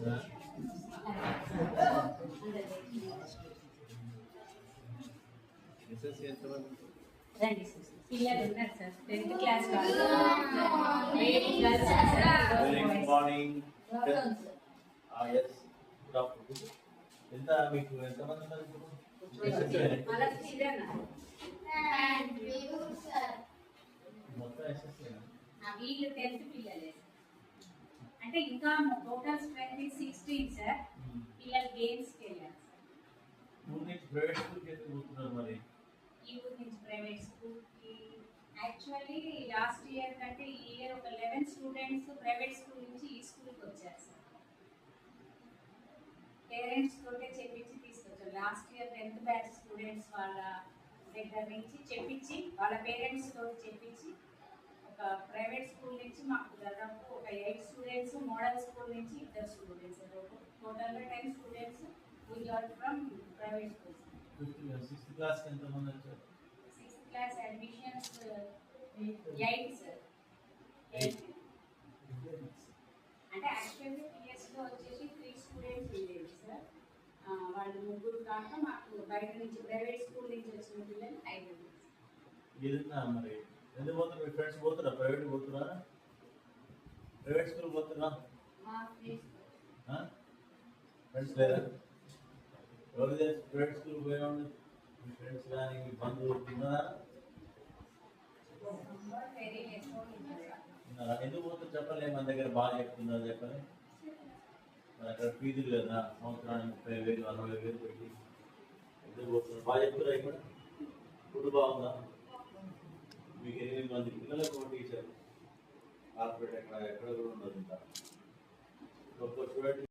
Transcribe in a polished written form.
రండి సార్ పిల్లలు ఉన్నారు సార్ 10th క్లాస్ వాళ్ళు very morning yes good afternoon ఎంత మీకు ఎంత మంది ఉన్నారు మళ్ళా చిరనా మొత్తం ఎస్ఎస్సీ వీళ్ళు 10th పిల్లలే అంటే ఇంకా టోటల్ స్ట్రెంత్ 16 సార్ పిల్లలు గేమ్స్కి వెళ్ళారు సార్ మూడు నుంచి ప్రైవేట్ స్కూల్కి ఎందుకు పోతున్నారు మరి ఈ ఊరు నుంచి ప్రైవేట్ స్కూల్కి యాక్చువల్లీ లాస్ట్ ఇయర్ కంటే ఈ ఇయర్ ఒక 11 స్టూడెంట్స్ ప్రైవేట్ స్కూల్ నుంచి ఈ స్కూల్కి వచ్చారు సార్ పేరెంట్స్ తోటే చెప్పించి తీసుకొచ్చారు last year 10th batch students వాళ్ళ దగ్గర నుంచి చెప్పించి వాళ్ళ పేరెంట్స్ తోటి చెప్పించి ఒక ప్రైవేట్ స్కూల్ నుంచి మాకు దాదాపు ఒక 8 స్టూడెంట్స్ మోడల్ స్కూల్ నుంచి 2 స్టూడెంట్స్ టోటల్గా 10 students we got from private schools 6th class కి ఎంత మంది వచ్చారు 6th క్లాస్ అడ్మిషన్స్ 8 సార్ 8 అంటే యాక్చువల్లీ పిఎస్లో వచ్చేసి 3 స్టూడెంట్స్ ఉండేవి సార్ వాళ్ళు ముగ్గురు కాక మాకు బయట నుంచి ప్రైవేట్ స్కూల్ నుంచి వచ్చిన పిల్లలు 5 ఏదన్నా మరి ఎందుకు పోతారు మీ ఫ్రెండ్స్ పోతారా ప్రైవేట్ పోతురా ప్రైవేట్ స్కూల్ పోతురా మా ఫ్రెండ్స్ లేదా ఎవరు తెలుసు ప్రైవేట్ స్కూల్ పోయినా మీ ఫ్రెండ్స్ కానీ మీ బంధువులు ఉన్నారా వెరీ లెస్ ఎందుకు పోతారు చెప్పలే మన దగ్గర బాగా చెప్తున్నారు చెప్పలే మరి అక్కడ ఫీజులు కదా సంవత్సరానికి 30,000 40,000 పెట్టి ఎందుకు పోతున్నారు బాగా చెప్తారా ఇక్కడ ఫుడ్ బాగుందా మీకు 8 మంది పిల్లలకు ఒక టీచర్ కార్పొరేట్ ఎక్కడ కూడా ఉండదు ఇంకా ఒక్క స్టూడెంట్